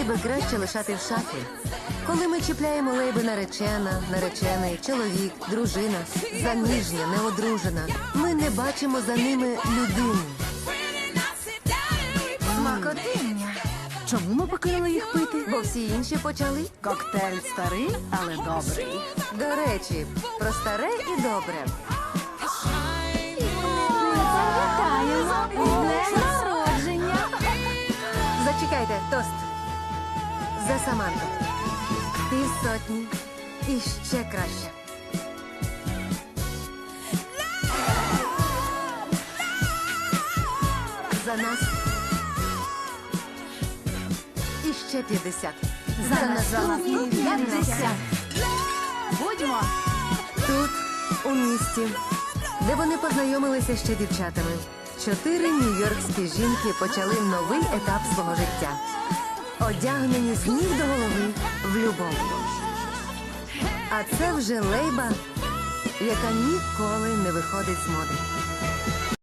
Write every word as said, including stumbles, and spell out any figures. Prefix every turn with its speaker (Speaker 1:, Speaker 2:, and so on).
Speaker 1: лейби краще лишати в шафі. Коли ми чіпляємо лейби наречена, наречений, чоловік, дружина, заміжня, неодружена, ми не бачимо за ними людину.
Speaker 2: Смакотиння.
Speaker 3: Чому ми покинули їх пити?
Speaker 1: Бо всі інші почали.
Speaker 3: Коктейль старий, але добрий.
Speaker 1: До речі, про старе і добре.
Speaker 2: Ми пам'ятаємо. З днем народження.
Speaker 1: Зачекайте, тост. За Саманту. Півсотні. І ще краще. За нас. І ще п'ятдесят.
Speaker 2: За наступні п'ятдесят.
Speaker 3: Будьмо!
Speaker 1: Тут, у місті, де вони познайомилися ще дівчатами. Чотири нью-йоркські жінки почали новий етап свого життя. Одягнені з ніг до голови в любов. А це вже лейба, яка ніколи не виходить з моди.